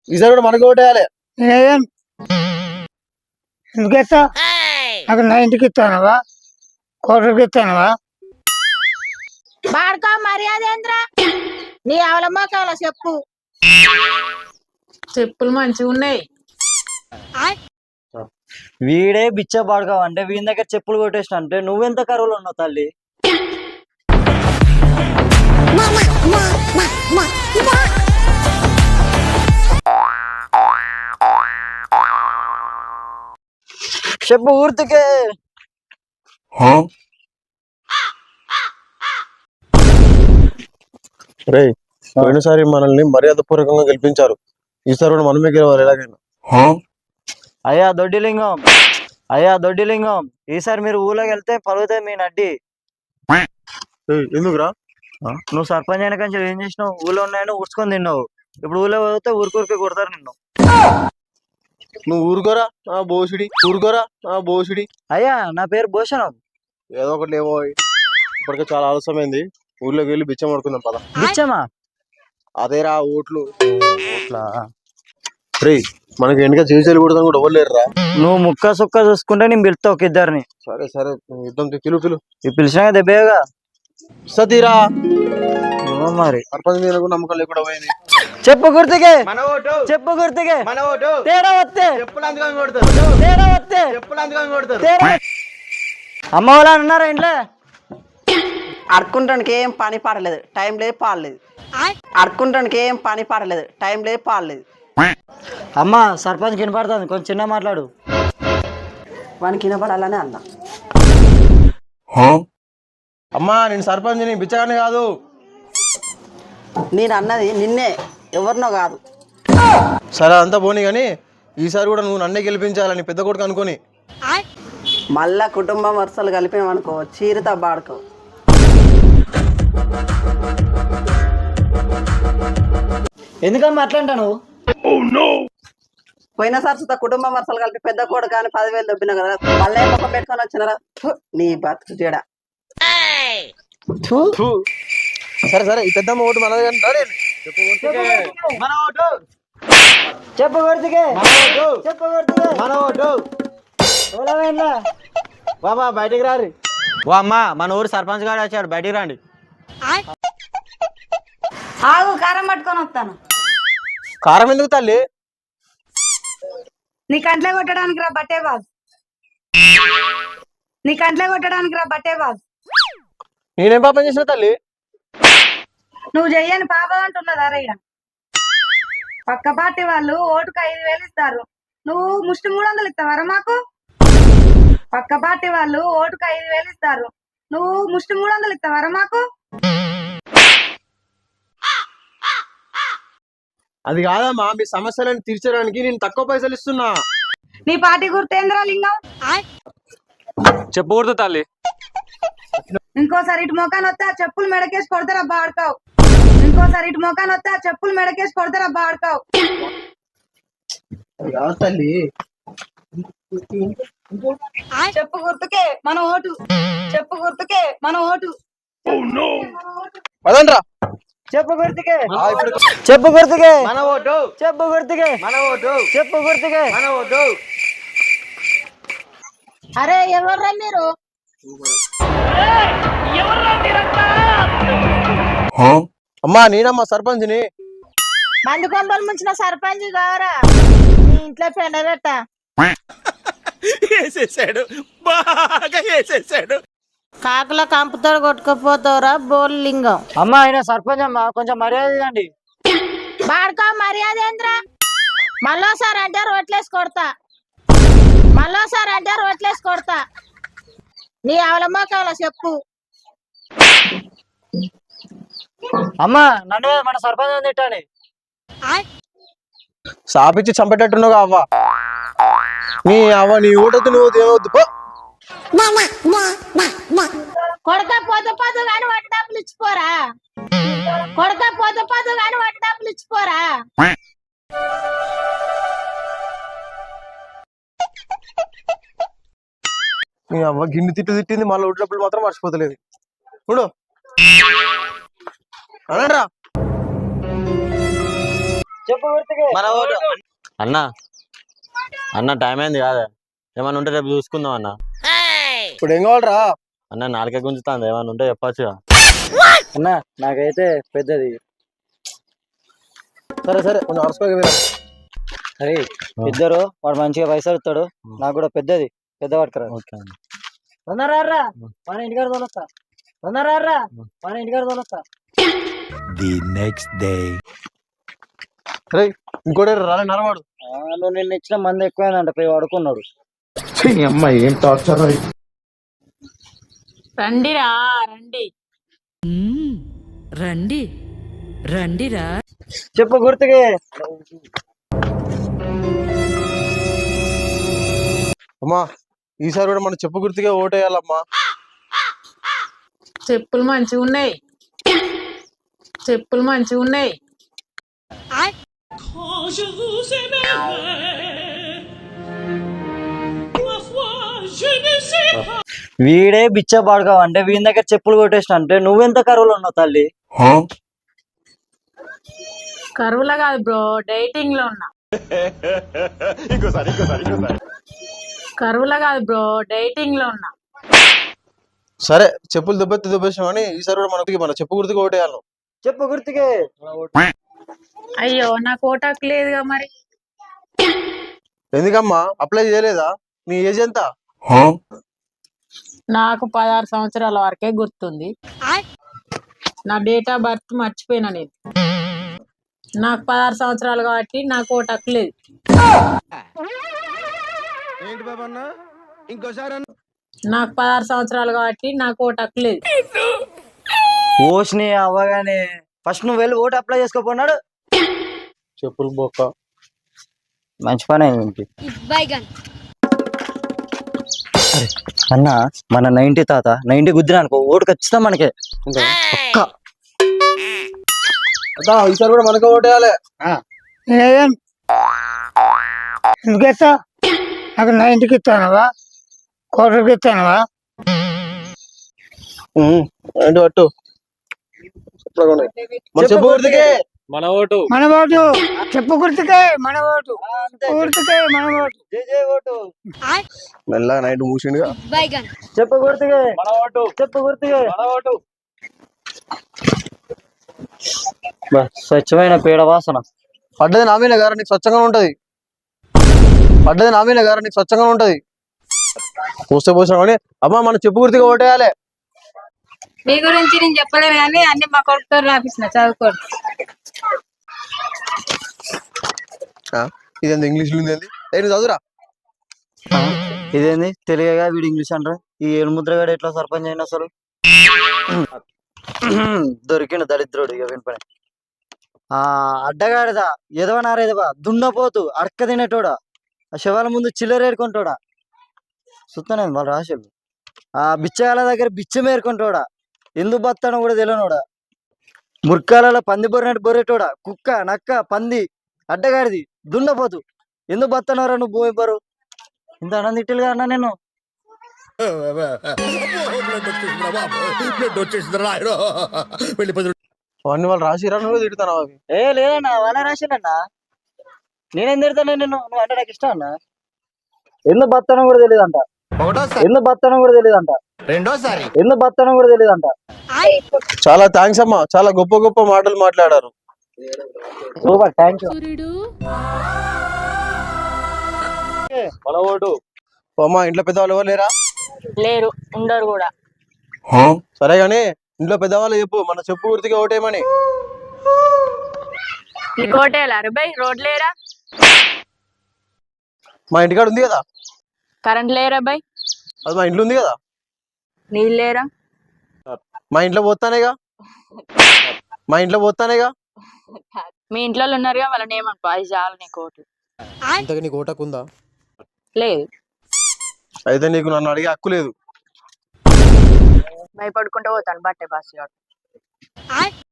ఈసారి కూడా మనకి ఓటేయాలి. నేనేం ఎందుకు ఇస్తా? నాకు నా ఇంటికి ఇస్తానవా, కోటకి ఇస్తానవా? బాడుకో మర్యాద ఏంద్రా నీ అవలమ్మకాల చెప్పు. చెప్పులు మంచిగా ఉన్నాయి. వీడే బిచ్చ పాడుకావు అంటే వీని దగ్గర చెప్పులు కొట్టేసిన అంటే నువ్వెంత కరువులు ఉన్నావు తల్లి. చెప్పు ఊర్తికే. రే పోయినసారి మనల్ని మర్యాద పూర్వకంగా గెలిపించారు. ఈసారి కూడా మనమే గెలవాలి ఎలాగైనా. అయ్యా దొడ్డిలింగం, అయ్యా దొడ్డిలింగం, ఈసారి మీరు ఊళ్ళోకి వెళ్తే పలుగుతాయి మీ నడ్డి. ఎందుకురా? నువ్వు సర్పంచ్ అయిన కంచె ఏం చేసినావు? ఊళ్ళో ఉన్నాయని ఊడ్చుకొని తిన్నావు. ఇప్పుడు ఊళ్ళో పోతే ఊరికూరికి కొడతారు నిన్ను. నువ్వు ఊరుకోరా ఆ బోసుడి, ఊరుకోరా ఆ బోసుడి. అయ్యా నా పేరు భూషణం. ఏదో ఒకటి లేవో, ఇప్పటికే చాలా ఆలస్యమైంది. ఊర్లోకి వెళ్ళి బిచ్చం పడుకుందాం పద. బిచ్చమా? అదేరా ఓట్లు. ఓట్లా? రే మనకి వెనుక చేసేలు కూడా కూడా ఇవ్వలేరురా. నువ్వు ముక్క సుక్క చూసుకుంటే నేను పిలుస్తా ఒక ఇద్దరిని. సరే సరే యుద్ధం పిలు. ఈ పిలిచినాక దెబ్బేగా సతీరా మరి. సర్పంచ్ మీద కూడా నమ్మకం లేకుండా పోయింది. చెప్పు గుర్తుకే, మన ఓటు, చెప్పు గుర్తుకే. మన ఓటు. తేడా వస్తే చెప్పులు అందుకని కొడతారు, తేడా వస్తే చెప్పులు అందుకని కొడతారు. అమ్మ వాళ్ళ అన్నారా ఇంట్లో? అడుక్కుంటానికి ఏం పని పాడలేదు, టైం లేదు పాడలేదు. అడుక్కుంటానికి ఏం పని పాడలేదు, టైం లేదు పాడలేదు. అమ్మ సర్పంచ్ వినపడుతుంది, కొంచెం చిన్న మాట్లాడు. వానికి వినపడాలనే అన్నా. అమ్మా నేను సర్పంచ్ ని బిచ్చగానే కాదు. నేను అన్నది నిన్నే, ఎవరినో కాదు. సరే అంతా పోనీ కానీ ఈసారి కూడా నువ్వు నన్నే గెలిపించాలని పెద్ద కొడుకు అనుకోని. మళ్ళా కుటుంబం వరుసలు కలిపినామనుకో చీరత బాడుకో. ఎందుకమ్మా అట్లా అంటాను? పోయిన సరస్వత కుటుంబం వరుసలు కలిపి పెద్ద కోడు కానీ 10,000 దొబ్బినా కదా, మళ్ళీ ముఖం పెట్టుకొని వచ్చినారా? నీ బతుకు జడ. సరే సరే ఈ పెద్దమ్మ ఓటు మనది కానీ రా రే. మన ఓటు, చెప్పు గుర్తుకే, మన ఓటు, చెప్పు గుర్తుకే. మన ఓటు. బాబా బయటికి రారి. ఓ అమ్మా మన ఊరు సర్పంచ్ గారు వచ్చాడు, బయటికి రండి. ఆగు కారం పట్టుకొని వస్తాను. కారం ఎందుకు తల్లి? నీ కంట్లో కొట్టడానికి రా బట్టే బాస్, నీ కంట్లో కొట్టడానికి రా బట్టే బాస్. నేనేం పాపం చేసిన తల్లి? నువ్వు చెయ్యని పాపం అంటున్నదా రైడ? పక్క పార్టీ వాళ్ళు ఓటుకు 5,000 ఇస్తారు, నువ్వు ముష్టి 300 ఇస్తావరా మాకు? పక్క పార్టీ వాళ్ళు ఓటుకు 5,000 ఇస్తారు, నువ్వు ముష్టి 300 ఇస్తావరా మాకు? అది కాదమ్మా, మీ సమస్యలను తీర్చడానికి నేను తక్కువ పైసలు ఇస్తున్నా. నీ పార్టీ గుర్తేంద్రా లింగం? చెప్పు గుర్తు తల్లి. ఇంకోసారి ఇటు మొఖాన్ని వస్తే ఆ చెప్పులు మెడకేసి కొడతారా బాడుకావు. ఇంకోసారి ఇటు మొఖాన్ని వస్తే ఆ చెప్పులు మెడకేసి కొడతారా బాడుకావు. తల్లి చెప్పు గుర్తుకే మన ఓటు, చెప్పు గుర్తుకే మన ఓటు. పదండ్రా. చెప్పు గుర్తుకే, చెప్పు గుర్తుకే. మన ఓటు, చెప్పు గుర్తుకే, మన ఓటు, చెప్పు గుర్తుకే. మన ఓటు. అరే ఎవర్రా మీరు? అమ్మా నేనమ్మా సర్పంచ్ని. మంది కొంపలు ముంచిన సర్పంచ్ కావరా? నీ ఇంట్లో పెండబెట్ట. వేసేసాడు, బాగా వేసేసాడు. కాకుల కంపుతో కొట్టుకుపోతావురా బోల్ లింగం. అమ్మ ఆయన సర్పంచ్ అమ్మ, కొంచెం మర్యాద ఇవ్వండి. బాడుకో మర్యాద ఏంద్రా? మళ్ళోసారి అంటే రోట్లేసి కొడతా, మళ్ళోసారి అంటే రోట్లేసి కొడతా. నీ అవలమ్మకాల చెప్పు. అమ్మ నన్ను మన సర్పంచ్ తిట్టండి. సాపిచ్చి చంపేటట్టున్నావు అవ్వ. నీ అవ్వ నీ ఓటొద్దు, నువ్వు ఏమవుద్దు పో. కొడక పోతే కానీ వాటి డబ్బులు ఇచ్చిపోరా, కొడక పోతే కానీ వాటి డబ్బులు ఇచ్చిపోరా. నీ అవ్వ గిన్నె తిట్టింది, మళ్ళీ ఓట్లప్పుడు మాత్రం మర్చిపోతలేదు. చూడు అనండ్రా. చెప్పు గుర్తుకే మన ఓటు అన్న అన్న టైం అయింది కాదా ఏమన్నా ఉంటే రేపు చూసుకుందాం అన్న ఇప్పుడు ఏం కావాలరా అన్న నాలుగే గుంజుతాంది ఏమన్నా ఉంటే చెప్పచ్చుగా అన్న నాకైతే పెద్దది. సరే సరే కొంచెం అరసుకోగా అరే ఇద్దరు వాడు మంచిగా పైసలు ఇస్తాడు, నాకు కూడా పెద్దది పెద్ద పట్టుకురా. ఓకే అన్న తొందరరా మన ఇంటికాడ తోలొస్తా, తొందరరా మన ఇంటికాడ తోలొస్తా. The next day. రే ఇంకోటి రాలే నరవాడు నువ్వు నిన్న ఇచ్చిన మంది ఎక్కువైందంట పోయి వాడుకున్నాడు. రండిరా రండి రండి రండిరా. చెప్పు గుర్తుకే అమ్మా ఈసారి కూడా మనం చెప్పు గుర్తుగా ఓటేయాలమ్మా. చెప్పులు మంచిగా ఉన్నాయి, చెప్పులు మంచిగా ఉన్నాయి. వీడే బిచ్చ పాడుకోవ అంటే వీని దగ్గర చెప్పులు కొట్టేసిన అంటే నువ్వెంత కరువులో ఉన్నావు తల్లి? కరువులా కాదు బ్రో, డైటింగ్ లో ఉన్నా. కరువులా కాదు బ్రో, డైటింగ్ లో ఉన్నా. సరే చెప్పులు దెబ్బేసాం అని ఈసారి కూడా మన చెప్పు గుర్తుగా ఓటేయాలి. చెప్పు గుర్తుకే. అయ్యో నాకు ఓటాకు లేదుగా మరి. ఎందుకమ్మా అప్లై చేయలేదా? నీ ఏజ్ ఎంత? నాకు 16 సంవత్సరాల వరకే గుర్తుంది. నా డేట్ ఆఫ్ బర్త్ మర్చిపోయినా నేను. నాకు 16 సంవత్సరాలు కాబట్టి నాకు ఓటాకు లేదు. నాకు 16 సంవత్సరాలు కాబట్టి నాకు ఓటాకు లేదు. ఓష్ని అవ్వగానే ఫస్ట్ నువ్వు వెళ్ళి ఓటు అప్లై చేసుకోపోన్నాడు. చెప్పులు బొక్క మంచి పని అయింది. అన్న మన 90 తాత 90 గుద్దిన అనుకో ఓటు ఖచ్చితంగా మనకే. ఈసారి కూడా మనకే ఓటేయాలి. ఎందుకెత్తా? నాకు 90కి ఇస్తానవా, కోటకి ఇస్తానవా? ఏంటి పట్టు మన చెప్పు గుర్తుకే మన ఓటు మన ఓటు చెప్పు గుర్తుకే, మన ఓటు గుర్తుకే, మన ఓటు. జై జై ఓటు. మెల్లగా నైట్ మూసిండుగా. చెప్పు గుర్తుకే, మన ఓటు చెప్పు గుర్తుకే. మన ఓటు. స్వచ్ఛమైన పేడ వాసన. పడ్డది నా మీద గారు నీకు స్వచ్ఛంగా ఉంటది. పడ్డది నా మీద గారు నీకు స్వచ్ఛంగా ఉంటది. పోసాం కానీ అమ్మా మన చెప్పు గుర్తుగా ఓటేయాలి. మీ గురించి నేను చెప్పలేను కానీ అన్ని మా కొడుకుతో రాపించిన చదువుకోండి. ఇదేంది ఇంగ్లీష్ ఉంది ఏంటి చదువురా. ఇదేంది తెలుగుగా వీడు ఇంగ్లీష్ అంటారు. ఈ ఏలుముద్రగాడు ఎట్లా సర్పంచ్ అయినా అసలు దొరికిండు దరిద్రుడు. ఇక వినిపని అడ్డగాడిదా ఎదవనారేదవా దున్నపోతు అడక్క తినేటోడా, ఆ శవాల ముందు చిల్లర ఏరుకుంటోడా. సుత్తనే వాళ్ళు రాశారు. ఆ బిచ్చగాల దగ్గర బిచ్చం ఏరుకుంటోడా, ఎందుకు బతానో కూడా తెలియనోడా, ముర్కాలలో పంది బొర్రెట్టు బొర్రెటోడా, కుక్క నక్క పంది అడ్డగాడిది దున్నపోతు ఎందుకు బతానోరా నువ్వు పోయి బరు. ఇంత అనందిట్టులుగా అన్నా నేను. అవన్నీ వాళ్ళు రాసిరా నువ్వు తిడతాను అవి. లేదన్నా వాళ్ళ రాశానన్నా, నేనేం తిడతాను నిన్ను. నువ్వు అంటే నాకు ఇష్టం అన్నా. ఎందుకు బతానో కూడా తెలియదంట, ఎందుకు బతానో కూడా తెలియదంట, రెండోసారి ఎందుకు బతానో కూడా తెలియదంట. చాలా థ్యాంక్స్ అమ్మా, చాలా గొప్ప గొప్ప మాటలు మాట్లాడారు. Super thank you. మన ఓటు. అమ్మా ఇంట్లో పెద్దవాళ్ళు ఎవరు లేరా? లేరు, ఉండరు కూడా. సరే గాని ఇంట్లో పెద్దవాళ్ళు చెప్పు మన చెప్పు గుర్తుగా ఓటేయమని. నీకు ఓటేయాలి అరబై రోడ్ లేరా, మా ఇంటికాడ ఉంది కదా. కరెంట్ లేరా బై, అది మా ఇంట్లో ఉంది కదా. నీళ్ళు లేరా, మా ఇంట్లో పోతానేగా, మా ఇంట్లో పోతానేగా. మీ ఇంట్లో ఉన్నారుగా వాళ్ళని ఏమనుకో, అది చాలు నీకు ఓటు. ఇంతకు నీకు ఓటకుందా? లేదు. అయితే నీకు నన్ను అడిగే హక్కు లేదు. భయపడుకుంటూ పోతాను బట్టే బాస్.